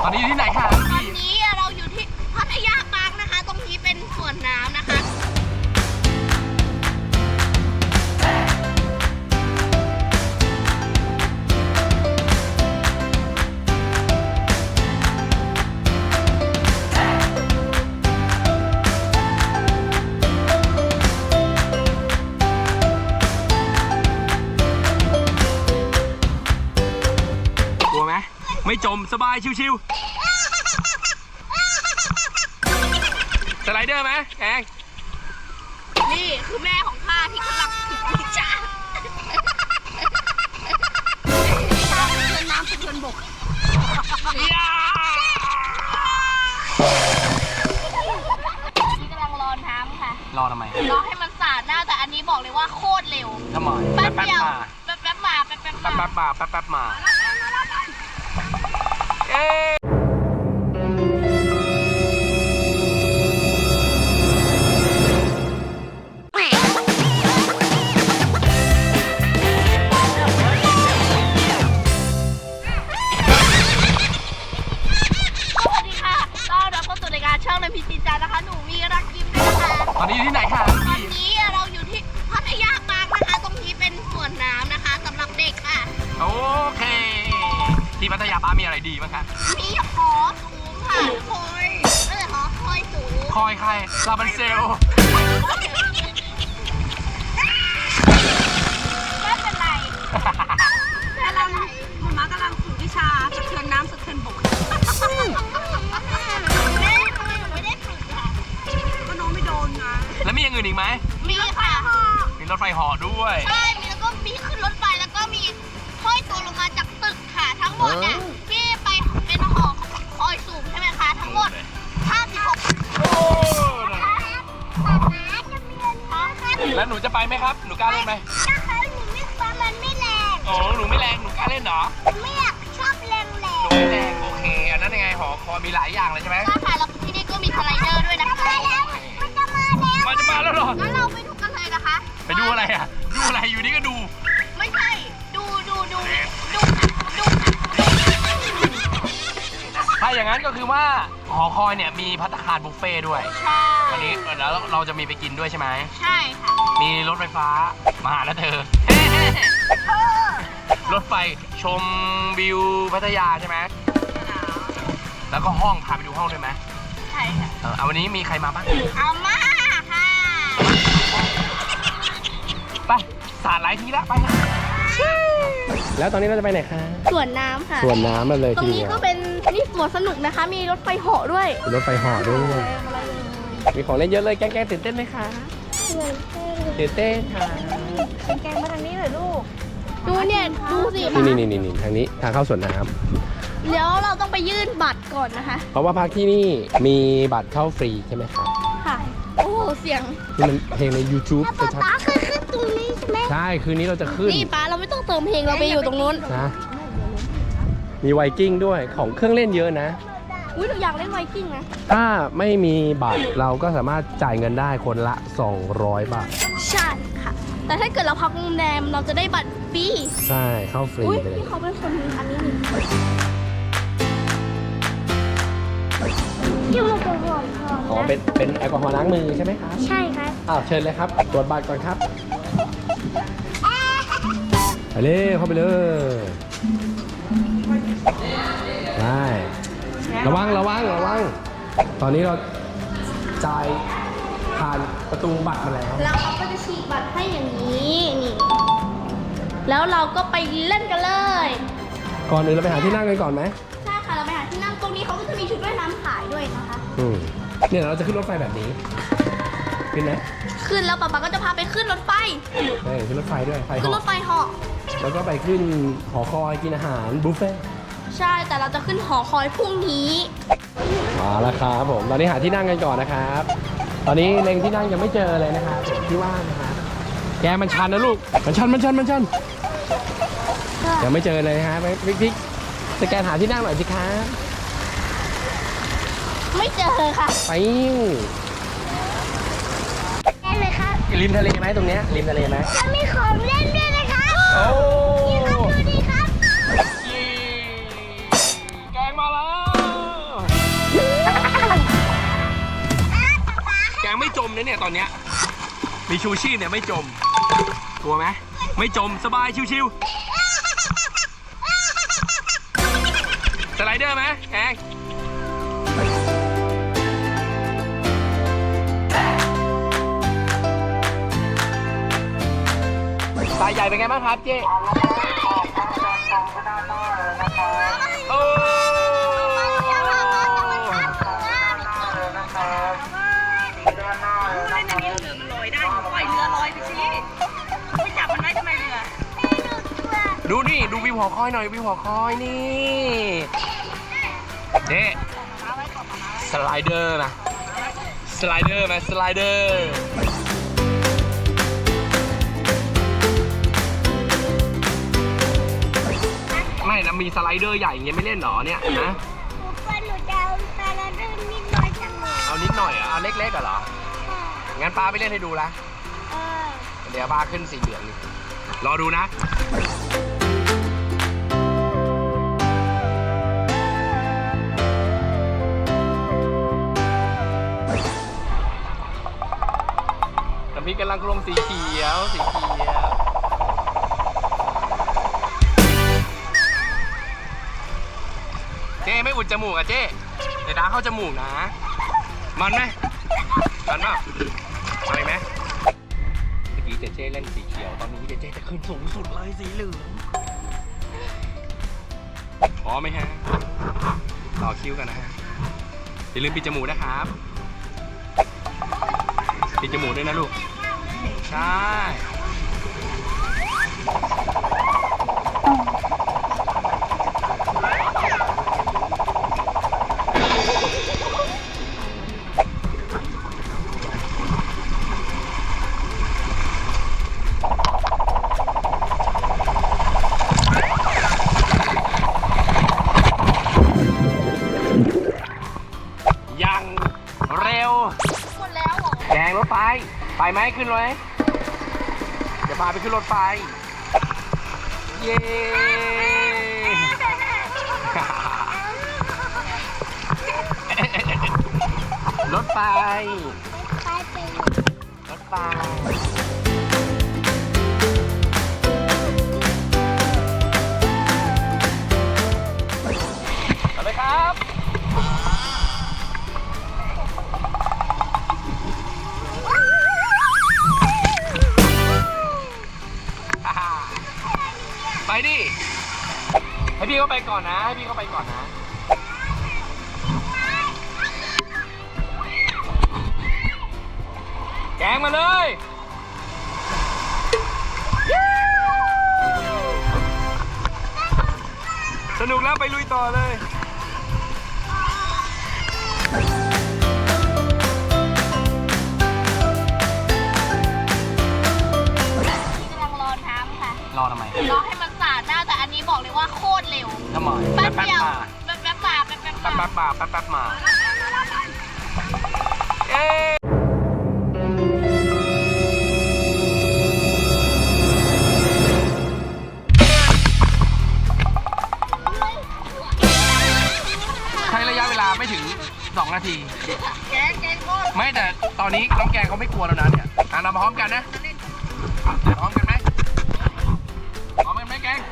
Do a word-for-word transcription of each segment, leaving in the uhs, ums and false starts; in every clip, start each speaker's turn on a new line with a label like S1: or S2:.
S1: ตอนนี้อยู่ที่ไหนคะ
S2: ตอนนี้เราอยู่ที่พัทยาปาร์คนะคะตรงนี้เป็นสวนน้ำนะคะ
S1: กลัวไหมไม่จมสบายชิวๆสไลเดอร์ไหมแกง
S2: นี่คือแม่ของข้าที่กำลังฝึกวิชาเชิญน้ำเชิญบกนี่กำลังรอน้ำค่ะ
S1: รอทำไม
S2: รอให้มันสาดหน้าแต่อันนี้บอกเลยว่าโคตรเร็ว
S1: ทำไม
S2: แป๊บ
S1: แป๊บ
S2: เดียว
S1: มา
S2: แป๊บแป๊บมาแป๊บแป๊บ
S1: แป๊บ
S2: มา
S1: แป๊บมาแป๊บแป๊บมาเอ๊ะ
S2: ช่องในพิจิตรนะคะหนูมีรักยิ้มด้วยนะคะ
S1: ตอนนี้อยู่ที่ไหนคะ
S2: ตอนนี้เราอยู่ที่พัทยาปาร์คนะคะตรงนี้เป็นสวนน้ำนะคะสำหรับเด็กค่ะ
S1: โอเคที่พัทยาปาร์คมีอะไรดีบ้างคะ
S2: มีหอสูงค่ะคอยเออหอคอยสูง
S1: คอยใครลาบันเซล
S2: ไม่เป็นไรกำลังมันมากำลังฝึกวิชาสะเทือนน้ำสะเทือนบก
S1: แล้วมีอย่างอื่นอีกไหม
S2: มีค่ะ
S1: มีรถไฟเหาะด้วย
S2: ใช่มีแล้วก็มีขึ้นรถไฟแล้วก็มีห้อยตัวลงมาจากตึกค่ะทั้งหมดเนี่ยที่ไปเป็นหอคอยสูงใช่ไหมคะทั้งหมดห้าสิบหก
S1: แล้วหนูจะไปไหมครับหนูกล้าเล่นไหม
S2: นะคะหนูไม่กลัวมันไม่แรง
S1: โอ้หนูไม่แรงหนูกล้าเล่นเหรอ
S2: ไม่อยากชอบแรงแรง
S1: หนูไม่แรงโอเคอันนั้นยังไงหอคอยมีหลายอย่างเลยใช่ไหม
S2: ใช่ค่ะแล้วที่นี่ก็มีสไลเดอร์ด้วยนะคะ
S1: มันจะมาแล้วเหรอ
S2: งั้นเราไปดูกันเลยนะคะ
S1: ไปดูอะไรอ่ะดูอะไรอยู่นี่ก็ดู
S2: ไม่ใช่ดูดูดูดูดู
S1: ถ้าอย่างนั้นก็คือว่าหอคอยเนี่ยมีภัตตาคารบุฟเฟ่ด้วย
S2: ใช่
S1: วันนี้แล้วเราจะมีไปกินด้วยใช่ไหม
S2: ใช่ค่ะ
S1: มีรถไฟฟ้ามาหาแล้วเธอรถไฟชมวิวพัทยาใช่ไหมแล้วก็ห้องพาไปดูห้องด้วยไหม
S2: ใช่ค่ะ
S1: เอาวันนี้มีใครมาบ้าง
S2: เอามาค่ะ
S1: ไปสาดหลายทีละไปแล้วตอนนี้เราจะไปไหนคะ
S2: สวนน้ำค่ะ
S1: สวนน้ำมาเลย
S2: ตรงนี้ก็เป็นนี่สวนสนุกนะคะมีรถไฟเหาะด้วย
S1: รถไฟเหาะด้วยมีของเล่นเยอะเลยแกงแกงตื่นเต้นไหมคะตื่นเต้นค่ะ
S2: แกงมาทางนี้เลยลูกดูเนี่ยดูสิ
S1: นี่นี่นี่นี่ทางนี้ทางเข้าสวนน้
S2: ำเดี๋ยวเราต้องไปยื่นบัตรก่อนนะคะ
S1: เพราะว่าพักที่นี่มีบัตรเข้าฟรีใช่ไหมครับ
S2: ค่ะโอ้เสียง
S1: นี่มันเพลงใน ยูทูบ
S2: ป๊าป๊าเคยขึ้นตรงนี้ใช่ไหม
S1: ใช่คืนนี้เราจะขึ้น
S2: นี่ป๊าเราไม่ต้องเติมเพลงเราไปอยู่ตรงนู้น
S1: นะมีไวกิ้งด้วยของเครื่องเล่นเยอะนะ
S2: อุ้ยเราอยากเล่นไวกิ้งนะ
S1: ถ้าไม่มีบัตรเราก็สามารถจ่ายเงินได้คนละสองร้อยบาท
S2: ใช่ค่ะแต่ถ้าเกิดเราพักโรงแรมเราจะได้บัตรฟรี
S1: ใช่เข้าฟรี
S2: เลยพี่เขาเป็นคนมีอันนี้นี่ที่มันเป็นหลอด
S1: อ๋อเป็นเป็นแอลกอฮอล์ล้างมือใช่ไหมครับ
S2: ใช่ครับ
S1: อ้าวเชิญเลยครับตรวจบัตรก่อนครับไปเลยเข้าไปเลยได้ระวังระวังระวังตอนนี้เราจ่ายผ่านประตูบัตรมาแล้ว
S2: แล้วเขาก็จะฉีกบัตรให้อย่างนี้นี่แล้วเราก็ไปเล่นกันเลย
S1: ก่อนอื่นเราไปหาที่นั่งกันก่อนไหม
S2: ใช่ค่ะเราไปหาที่นั่งตรงนี้เขาก็จะมีชุดว่ายน้ำขายด้วยนะคะ
S1: อืมเนี่ยเราจะขึ้นรถไฟแบบนี้ขึ้นไหม
S2: ขึ้นแล้วป๊าป๊าก็จะพาไปขึ้นรถไฟ
S1: ใช่ขึ้นรถไฟด้วยไฟ
S2: ขึ้นรถไฟเหาะ
S1: แล้วก็ไปขึ้นหอคอยกินอาหารบุฟเฟ่
S2: ใช่แต่เราจะขึ้นหอคอยพรุ่งนี้
S1: มาแล้วครับผมตอนนี้หาที่นั่งกันก่อนนะครับตอนนี้เล็งที่นั่งยังไม่เจอเลยนะครับที่ว่างนะครับแกมันชันนะลูกมันชันมันชันมันชันยังไม่เจอเลยฮะพิกพิกสแกนหาที่นั่งหน่อยสิครับ
S2: ไม่เจอค่ะ
S1: ไป
S2: ได้เลยครับ
S1: ริมทะเลไหมตรงเนี้ยริมทะเลไหม
S2: จะมีของเล่นด้วยนะคะ
S1: โอ้
S2: นี่ครับดูดีครับ
S1: แกงมาแล้วงไม่จมนะเนี่ยตอนเนี้ยมีชูชีพเนี่ยไม่จมกลัวไหมไม่จมสบายชิวๆสไลเดอร์ไหมแกงสายใหญ่เป็นไงบ้างครับเจ๊โอ้ดูนี่ดูวิวหอคอยหน่อยวิวหอคอยนี่เด็สไลเดอร์นะสไลเดอร์ไหมสไลเดอร์ไม่นะมีสไลเดอร์ใหญ่อย่างเงี้ยไม่เล่นหรอเนี่ยนะหนูจะเอาสไลเดอร์นิดหน่อยจังเลยเอานิดหน่อยเอาเล็กๆเหรองั้นป้าไปเล่นให้ดูละเดี๋ยวป้าขึ้นสีเหลืองนี่รอดูนะน้ำพริกกำลังลงสีเขียวสีเขียวเจ๊ไม่อุดจมูกอะเจ๊เดี๋ยวน้าเข้าจมูกนะมันไหมมันเปล่าอะไรไหมเมื่อกี้เจเจ๊เล่นสีเขียวตอนนี้เจเจ๊จะขึ้นสูงสุดเลยสีเหลืองพร้อมไหมฮะต่อคิวกันนะฮะอย่าลืมปิดจมูกนะครับปิดจมูกด้วยนะลูกใช่ยังเร็วหมดแล้วเหรอแดงรถไฟไปไหมขึ้นเลยเดี๋ยวพาไปขึ้นรถไฟเย้รถไฟรถไฟเอาเลยครับไปดิให้พี่เขาไปก่อนนะให้พี่เขาไปก่อนนะแกงมาเลยสนุกแล้วไปลุยต่อเลยรอทำไมรอให้มันสาดหน้าแต่อันนี้บอกเลยว่าโคตรเร็วทำไมแป๊บเดียวแป๊บแป๊บมาแป๊บแป๊บมาแป๊บมาแป๊บแป๊บมาเอ๊ใช้ระยะเวลาไม่ถึงสองนาทีแกงแกงโคตรไม่แต่ตอนนี้น้องแกงเขาไม่กลัวแล้วนะเนี่ยอ่ะเรามาพร้อมกันนะพร้อมกันไหมพร้อมกันไหมแกง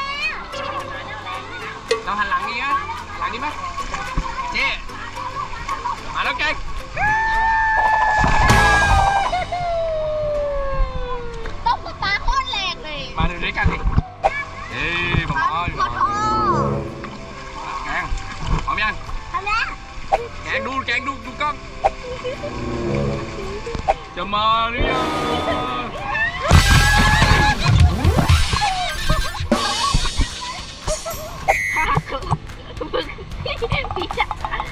S1: เราหันหลังนี้นะหลังนี้ไหมเจ๊มาแล้วแกง
S2: ต้องสตาร์โคตรแรงเลย
S1: มาดูด้วยกันดิเฮ้ยผมอ๋ออยู่แกงพร้อมยังพร้อมแล้วแกงดูแกงดูดูกล้องจะมาหรือยัง
S2: พี่จ๋า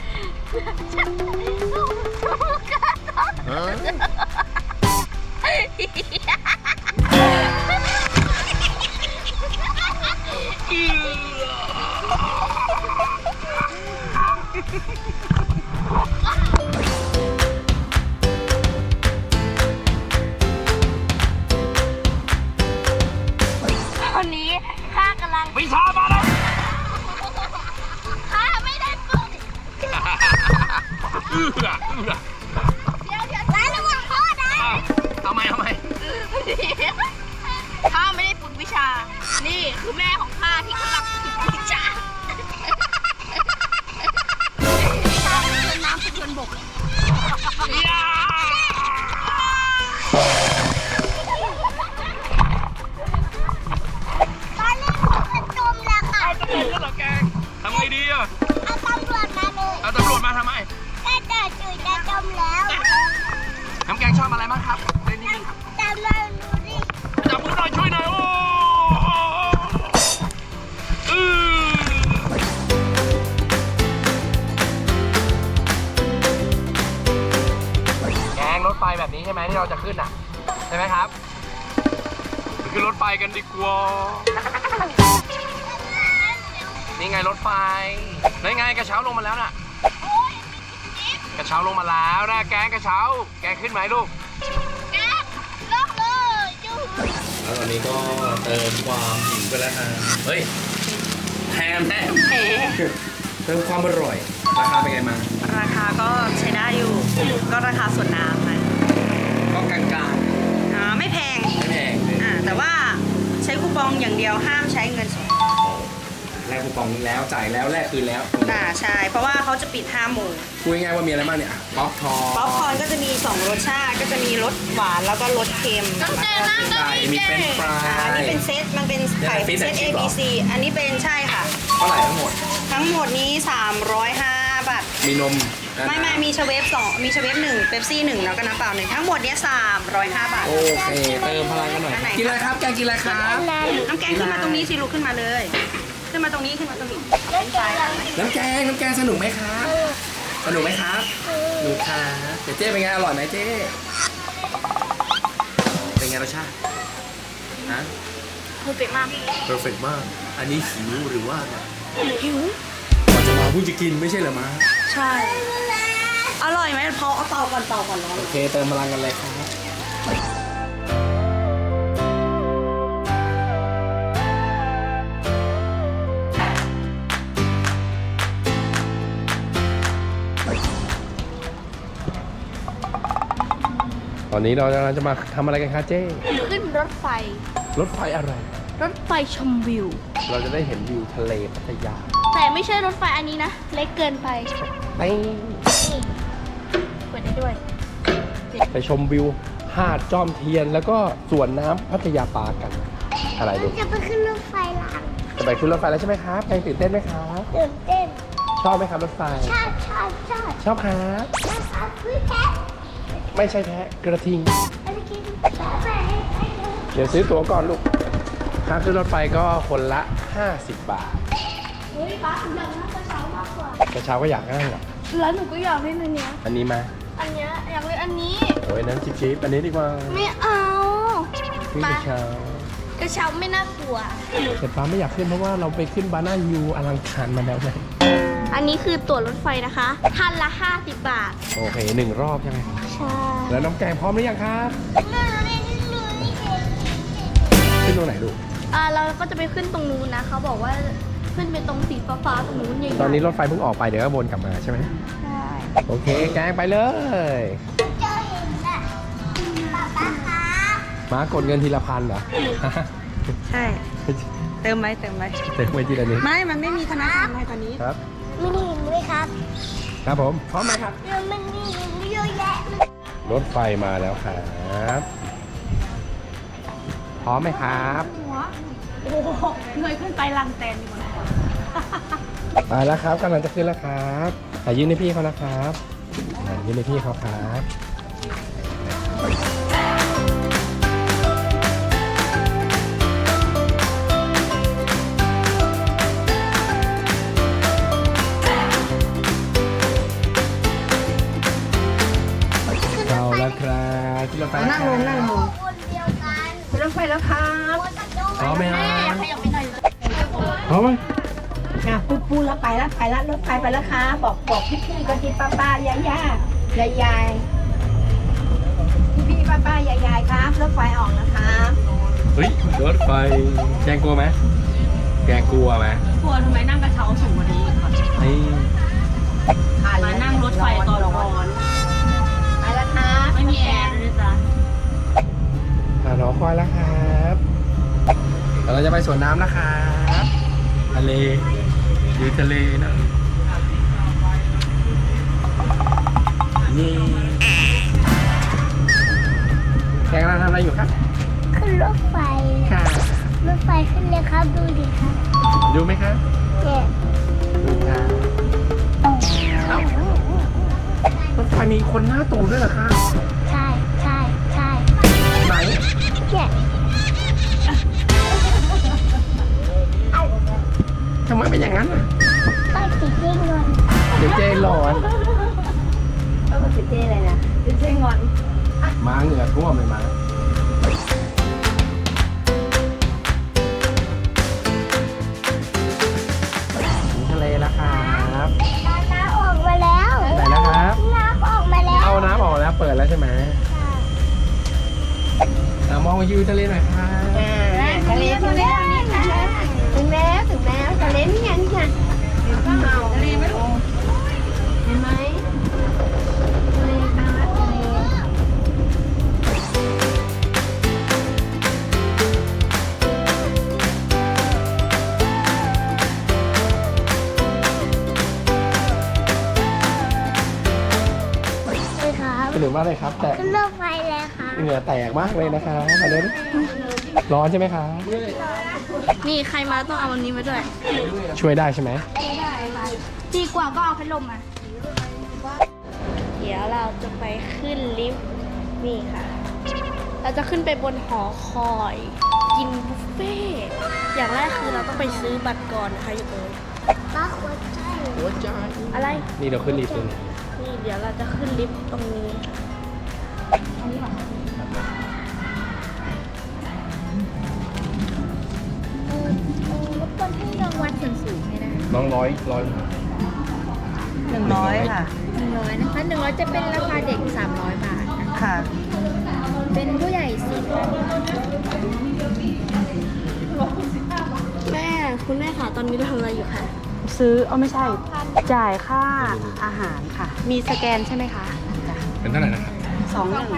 S2: ตอนนี้ข้ากำลัง
S1: วิชามาแล้ว
S2: ข้าไม่ได้ฝึก
S1: เอื้อเอื้อ
S2: เดี๋ยวเดี๋ยวชา นี่คือแม่ของข้าที่กำลังฝึกวิชาน้ำเป็นชนบกตอนนี้ผมจะจมแล้วค่ะ
S1: เอาตำรวจแล้วเหรอแกงทำไงดีอ่ะ
S2: เอาตำรวจมาเลย
S1: เอาตำรวจมาทำไม
S2: แค่เจอจุยจะจมแล้ว
S1: น้ำแกงชอบอะไรบ้างครับเล่นนี่ครับ
S2: จำเราดูดิ
S1: จับมือหน่อยช่วยหน่อยโอ้อือแกงรถไฟแบบนี้ใช่ไหมที่เราจะขึ้นอ่ะใช่ไหมครับไปขึ้นรถไฟกันดีกว่านี่ไงรถไฟนี่ไงกระเช้าลงมาแล้วน่ะกระเช้าลงมาแล้วนะแกงกระเช้าแกงขึ้นไหมลูก
S2: แกลอกเลยจุย
S1: แล้วตอนนี้ก็เติมความหิวไปแล้วฮะเฮ้ยแถมแถมเติมความอร่อยราคาเป็นไงมา
S3: ราคาก็ใช้ได้อยู่ ก็ราคาส่วนน้ำนะ
S1: ก็กลางๆ
S3: อ่าไม่แพง
S1: ไม่แพงเลย
S3: อ่าแต่ว่าใช้คูปองอย่างเดียวห้ามใช้เงินสด
S1: แลกคูปองแล้วจ่ายแล้วแลกคืนแล้ว
S3: อ่าใช่ เพราะว่าเขาจะปิดห้าโมง
S1: พูดง่ายๆว่ามีอะไรบ้างเนี่ยอ่ะป๊อปคอร์น
S3: ป๊อปคอร์นก็จะมีสองรสชาติก็จะมีรสหวานแล้วก็รสเค็ม
S2: ต้องเจอน้ำต้อง
S1: ไก่
S2: มี
S1: มี
S2: เจ
S1: เป็นฟรา
S3: อ่าอันนี้
S1: ย
S3: เป็นเซตมันเป็นไข่
S1: เนี่ยเป็น
S3: เซต
S1: fish
S3: A
S1: and
S3: B
S1: chip
S3: C อันนี้เป็นใช่ค่ะ
S1: เท่าไหร่ทั้งหมด
S3: ทั้งหมดนี้สามร้อยห้าบาท
S1: มีนมนะ
S3: ไม่ไม่มีชเวฟสองมีชเวฟหนึ่งเป๊ปซี่หนึ่งแล้วก็น้ำเปล่าหนึ่งทั้งหมดเนี้ยสามร้อยห้าบาท
S1: โอเคเติมพลังกันหน่อย
S3: อันไหน
S1: กินอะไรครับแกงกินอะไรครับ
S3: น้ำแกงขึ้นมาตรงนี้สิลูกขึ้นมาเลย ขึ้นมาตรงนี้ขึ้นมาตรงนี้เป็นไฟ
S1: น้ำแกงน้ำแกงสนุกไหมครับสนุกไหมครับสนุกครับเจ๊เจ๊เป็นไงอร่อยไหมเจ๊เป็นไงรสชาติฮะ
S2: เพอร์เฟกต์มาก
S1: เพอร์เฟกมาก อันนี้หิวหรือว่าไง
S2: หิว
S1: ก่อนจะมาพูดจะกินไม่ใช่เหรอมา
S3: ใช่ อร่อยไหมพอเอาเตาก่อนเตาก่อนร้อน
S1: โอเคเติมพลังกันเลยครับตอนนี้เรากำลังจะมาทำอะไรกันคะเจ้
S2: ขึ้นรถไฟ
S1: รถไฟอะไร
S2: รถไฟชมวิว
S1: เราจะได้เห็นวิวทะเลพัทยา
S2: แต่ไม่ใช่รถไฟอันนี้นะ เล็กเกินไป
S1: ไป
S2: นี่เปิดได้ด้วย
S1: ไปชมวิวหาดจอมเทียนแล้วก็สวนน้ำพัทยาปาร์คกัน อะไรดู
S2: จะไปขึ้นรถไฟลาง
S1: จะไปขึ้นรถไฟแล้วใช่ไหมครับแกงตื่นเต้นไหมครับ
S2: ตื่นเต้น
S1: ชอบไหมครับรถไฟ
S2: ชอบชอบชอบ
S1: ชอบครับ
S2: ชอบชอบคือแท้
S1: ไม่ใช่แพะกระทิง
S2: ไปกินแท้ไปให้ดู
S1: เดี๋ยวซื้อตั๋วก่อนลูกค่าขึ้นรถไฟก็คนละห้าสิบบาท
S2: เฮ้ยป้าอยากนั่งกระเช้ามากกว่าก
S1: ระเช้าก็อยากนั่งเหรอ
S2: แล้วหนูก็อยากเล่นอันเนี้ย
S1: อันนี้มา
S2: อันเนี้ยอยากเล่นอันนี้
S1: โอ้ยนั้นจิ๊บจิ๊บอันนี้ดีกว่า
S2: ไม่เอา
S1: ขึ้นกระเช้าก
S2: ระเช้าไม่น่ากลัว
S1: แต่ฟ้าไม่อยากขึ้นเพราะว่าเราไปขึ้นบานาฮิวอลังการมาแล้วไง
S2: อันนี้คือตั๋วรถไฟนะคะท่านละห้าสิบบาท
S1: โอเคหนึ่งรอบใช่ไหม
S2: ใช่
S1: แล้วน้ำแกงพร้อมหรือยังครับ ขึ้นตรงไหนลูก
S2: อ่าเราก็จะไปขึ้นตรงนู้นนะเขาบอกว่าขึ้นไปตรงสีฟ้าๆตรงนู้นใหญ่ๆ
S1: ตอนนี้รถไฟเพิ่งออกไปเดี๋ยวก็วนกลับมาใช่ไหม
S2: ใช่
S1: โอเคแกงไปเลย
S2: เจอเห็นน่ะป๊าป๊าครับ
S1: มากดเงินทีละพันเหรอ
S3: ใช่ เติมไหมเติมไหม
S1: เต็มไปทีละนิด
S3: ไม่ มันไม่มีธนาคารอะไรตอนนี้
S1: ครับ
S2: ไม่ได้เห็นด้วยครับ
S1: ครับผมพร้อมไหมครับ
S2: เรื่องมันมีเยอะแยะเลย
S1: รถไฟมาแล้วครับ พร้อมไหมครับ
S3: โอ้โหเงยขึ้นไปลังแตนอยู่บนหัว
S1: ไปแล้วครับกำลังจะขึ้นแล้วครับอ่ะยื่นให้พี่เขานะครับอ่ะยื่นให้พี่เขาครับเอาแล้วครับที่รถไฟ
S3: นั่งลงนั่งลง
S2: คนเดียวกัน
S3: รถไฟแล้วครับ
S1: พร้อมไหมค
S2: แม่
S1: รับ
S2: ขยับไปหน่อย
S1: พร้อมไหม
S4: อ่ะปูปูแล้วไปแล้วไปแล้วรถไฟไปแล้วค่ะบอกบอกพี่พี่ก็ที่ป้าป้ายายายายายพี่พี่ป้าป้ายายายครับรถไฟออกนะคะ
S1: เฮ้ยรถไฟแกงกลัวไหมแกงกลัวไหม
S3: กลัวทำไมนั่งกระเช้าสูงกว่านี้อีกก่อน
S1: นี่
S3: มานั่งรถไฟตอนร้อน
S4: ไปแล้วครับ
S3: ไม่มีแอร์เลยจ้ะ
S1: อ่ะรอคอยแล้วครับสวนน้ำนะครับทะเลดูทะเลนะนี่แกกำลังทำอะไรอยู่ครับ
S2: ขึ้นรถไฟ
S1: ค่ะ
S2: รถไฟขึ้นเลยครับ ดูดิครับ
S1: ดูไหมครับ
S2: เนี่ย
S1: ดูครับเอ้ารถไฟมีคนหน้าตูด้วยเหรอครับ
S2: ใช่ใช่ใช่
S1: ไหน
S2: เนี่ย
S1: ทำไมเป็นอย่างนั้นอ่ะ
S2: ป้าติดยิ่งเงิน
S1: เดี๋ยวเจร้อน
S4: เออเจ๊อะไรนะเจ๊งอน
S1: ม้าเหงื่อท่วมเลยม้าถึงทะเลแล้วครับ
S2: น้ำออกมาแล้ว
S1: ไหนนะครับ
S2: น้ำออกมาแล้ว
S1: เอาน้ำออกแล้วเปิดแล้วใช่ไหมอ่ะมองวิวทะเลหน่อยครับ
S4: ทะเลถึงแล้วนี่ค่ะถึงแล้วถึงแล้วทะเลนี่ไงนี่ไงเห็นเปล่าทะเลไหมลูกเห็นไหมทะเลค่ะทะเล
S2: เลยครับ
S1: สนุกมากเลยครับ แต่
S2: ขึ้นรถไฟเลยค่ะ
S1: เหงื่อแตกมากเลยนะครับอันนี้ร้อนใช่ไหมครับ
S2: นี่ใครมาต้องเอาวันนี้มาด้วย
S1: ช่วยได้ใช่ไหม
S2: ดีกว่าก็เอาพัดลมมา เดี๋ยวเราจะไปขึ้นลิฟต์นี่ค่ะ เราจะขึ้นไปบนหอคอย กินบุฟเฟ่ต์อย่างแรกคือเราต้องไปซื้อบัตรก่อนนะคะอยู่ตรงนี้ป้าหัวใจ
S1: หัวใจ
S2: อะไร
S1: นี่เราขึ้นลิฟต์เลย
S2: นี่เดี๋ยวเราจะขึ้นลิฟต์ตรงนี้ค่ะอันนี้หรอเออเออรบกวนให้รางวัลส่วนสูงให้ได้
S1: น้องร้อยร้อย
S3: หนึ่งร้อยค่ะ
S2: หนึ่งร้อยนะคะหนึ่งร้อยจะเป็นราคาเด็กสามร้อยบาทนะคะ
S3: ค่ะ
S2: เป็นผู้ใหญ่สี่พันแม่คุณแม่ค่ะตอนนี้เราทำอะไรอยู่คะ
S3: ซื้อเอาไม่ใช่ จ่ายค่าอาหารค่ะ มีสแกนใช่ไหมคะจ้ะ
S1: เป็นเท่าไหร่นะครับ
S3: สองหนึ่ง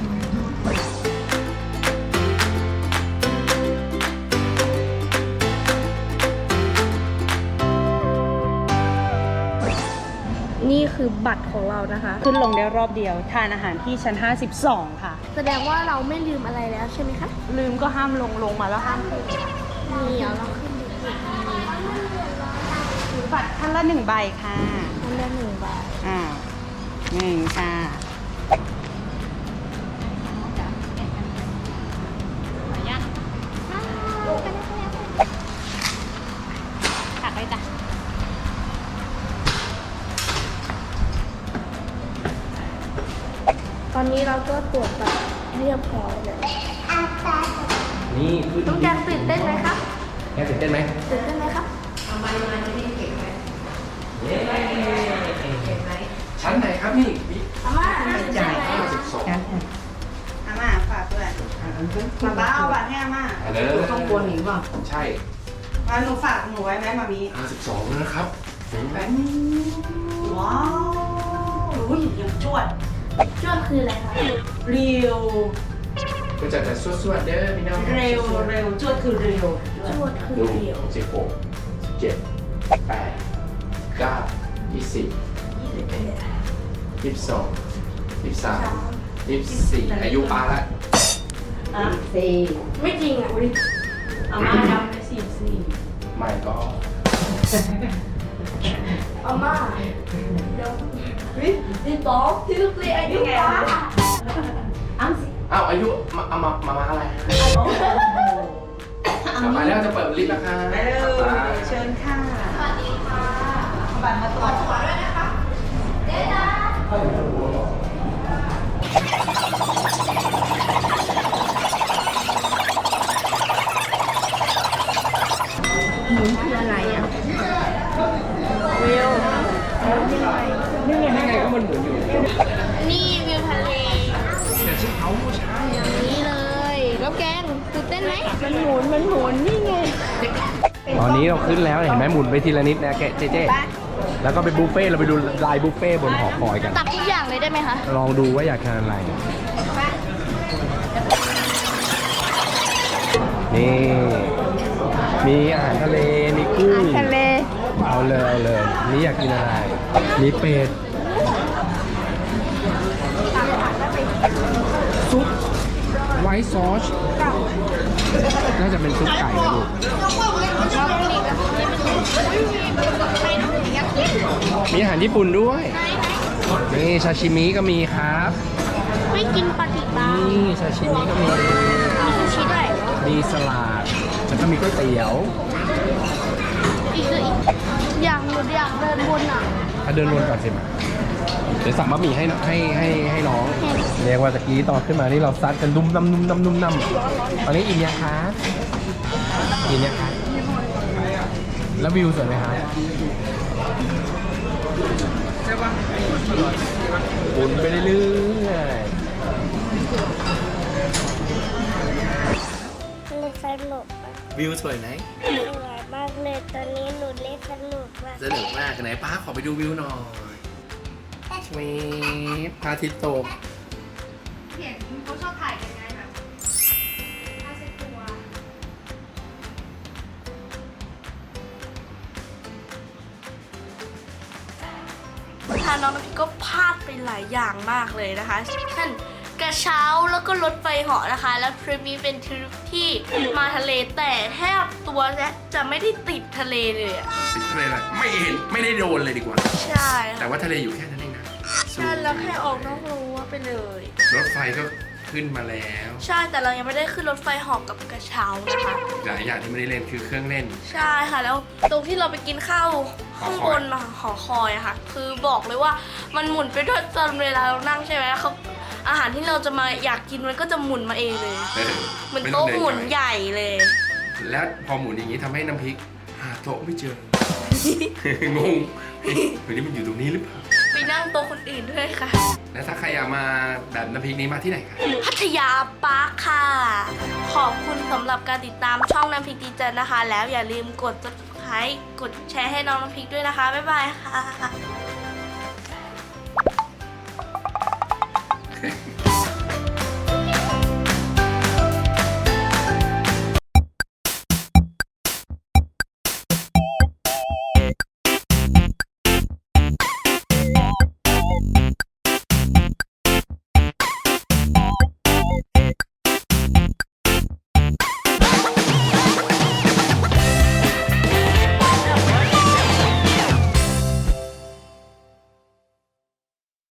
S2: นี่คือบัตรของเรานะคะ
S3: ขึ้นลงได้รอบเดียว ทานอาหารที่ชั้นห้าสิบสองค่ะ
S2: แสดงว่าเราไม่ลืมอะไรแล้วใช่ไหมคะ
S3: ลืมก็ห้ามลงลงมาแล้วห้ามขึ้น
S2: นี่เดี๋ยวเราขึ้นดูอีก
S3: บัตรท่านละหนึ่งใบค่ะ
S2: อันละหนึ่งบาท
S3: อ่าหนึ่งค่ะ
S2: ตักไปจ้ะตอนนี้เราก็ตรวจบัตรเรียบร้อยเลย
S1: นี่ขึ้น
S2: ต้องการตื่นเต้นไหมครับ
S1: แกตื่นเต้นไหม
S2: ตื่นเต้นไหมครับ
S1: ชั้นไหนครับนี่
S2: อาม่า
S3: จ่าย
S1: ห้าสิบสอง
S3: อาม่าฝากด้วยมาบ้าเอาบัตรให้อาม่า
S1: อันนี้ข้างบนหรือเปล่าใช่
S3: มาหนูฝากหนูไว้ไหมมามี
S1: ห้าสิบสองนะครับ
S3: ว้าวอุ้ยยังจวด
S2: ช่วงคืออะไรคะ
S3: เร็ว
S1: ก็จะจะสวดๆเด้อพี่น้อง
S3: เร็วเร็วจวดคือเร็ว
S2: ชวดคือ
S1: ดู
S2: เดียว
S1: สิบหกสิบเจ็ดแปดเก้ายี่สิบยี่สิบสองยี่สิบสามยี่สิบสี่อายุปาละ
S3: อ่ะสี่
S2: ไม่จริงอ่ะ
S3: อาม่าดำไปสี่สี่
S1: ไม่ก็
S2: อาม่าเดี๋ยวที่สองที่สี่อายุป้า
S3: อ้าวสิ
S1: อ้าวอายุมาเอามามามาอะไรต่อไปแล้วจะเปิดลิฟต์แล้วค่ะ
S3: ไปเลยเชิญค่ะ
S2: สวัสดีค่ะ
S3: บัตรมาตรวจ
S2: ขอด้วยนะคะเจ๊ดาหมุนคืออะไรอ่ะวิว
S1: นี่ไงนี่ไงก็มันหมุนอยู่
S2: นี่วิวทะเล
S1: แต่ชื่อเขาผู้ชาย
S2: อย่างนี้เลย แล้วแกงตื่นเต้นไหมมันหมุน มันหมุน นี่ไง
S1: ตอนนี้เราขึ้นแล้วเห็นไหมหมุนไปทีละนิดนะแกเจ๊เจ๊แล้วก็ไปบุฟเฟ่ต์เราไปดูลายบุฟเฟ่ต์บนหอคอยกัน
S2: ตักทุกอย่างเลยได้ไหมคะ
S1: ลองดูว่าอยากทานอะไร นี่มีอาหารทะเล มีกุ้ง
S2: ทะเล
S1: เอาเลยเอาเลยนี่อยากกินอะไร มีเป็ด ซุปไวท์ซอส น่าจะเป็นซุปไก่นะลูกมีอาหารญี่ปุ่นด้วย นี่ซาชิมิก็มีครับ
S2: ไม่กินปลาติบา
S1: นี่ซาชิมิก็มี
S2: มีซูชิด้วย
S1: มีสลัดแล้วก็มีก๋วยเตี๋ยว
S2: อีกคืออีกอย่างหนูอยากเดินบนอ่ะ
S1: ถ้าเดินวนก่อนสิมาเดี๋ยวสั่งบะหมี่ให้ให้ให้ให้น้อง เรียกว่าตะกี้ตอนขึ้นมานี่เราซัดกันดุมน้ำนุ่มน้ำนุ่มน้ำตอนนี้อิ่มยังคะอิ่มยังคะแล้ววิวสวยไหมคะบุนไปเรื่อยๆ
S5: เล่นสนุกมาก
S1: วิวสวยไหม
S5: สวยมากเลยตอนนี้หนูเล่นสนุกมาก
S1: สนุกมากไหนป้าขอไปดูวิวหน่อยชวีพระอาทิตย์ตก
S2: เห็นเขาชอบถ่ายกันไงแบบผ้าเช็ดตัวทางน้องน้ำพริกก็พลาดไปหลายอย่างมากเลยนะคะเช่นกระเช้าแล้วก็รถไฟเหาะนะคะ แล้วทริปนี้เป็นทริปที่มาทะเลแต่แทบตัวจะไม่ได้ติดทะเลเลยอะ
S1: ติดทะเลเลยไม่เห็นไม่ได้โดนเลยดีกว่า
S2: ใช่
S1: แต่
S2: ค่ะ
S1: ว่าทะเลอยู่แค่นั้นเองนะ
S2: ใช่แล้วแค่ออกนอกรั้วไปเลย
S1: รถไฟก็ขึ้นมาแล้ว
S2: ใช่แต่เรายังไม่ได้ขึ้นรถไฟเหอกกับกระเช้านะคะ
S1: หลายอย่างที่ไม่ได้เล่นคือเครื่องเล่น
S2: ใช่ค่ะแล้วตรงที่เราไปกินข้าวข้างบนหอคอยอะค่ะ คือบอกเลยว่ามันหมุนไปด้วยตอนเวลาเรานั่งใช่ไหมเขาอาหารที่เราจะมาอยากกินมันก็จะหมุนมาเองเลย
S1: เออ
S2: เหมือน
S1: ไต้
S2: โต๊ะ
S1: งดิ
S2: หมุน
S1: ไกล
S2: ใหญ่เลย
S1: แล้วพอหมุนอย่างนี้ทำให้น้ำพริกหาโต๊ะไม่เจอ งงเฮ้ยวันนี้มันอยู่ตรงนี้หรือเปล่า
S2: ไปนั่งโต๊ะคนอื่นด้วยค่ะ
S1: แล้วถ้าใครอยากมาแบบน้ำพริกนี้มาที่ไหนคะ
S2: พัทยาปาร์คค่ะ ขอบคุณสำหรับการติดตามช่องน้ำพริกดีจันนะคะ แล้วอย่าลืมกด ซับสไครบ์ กดแชร์ให้น้องน้ำพริกด้วยนะคะ บ๊ายบายค่ะ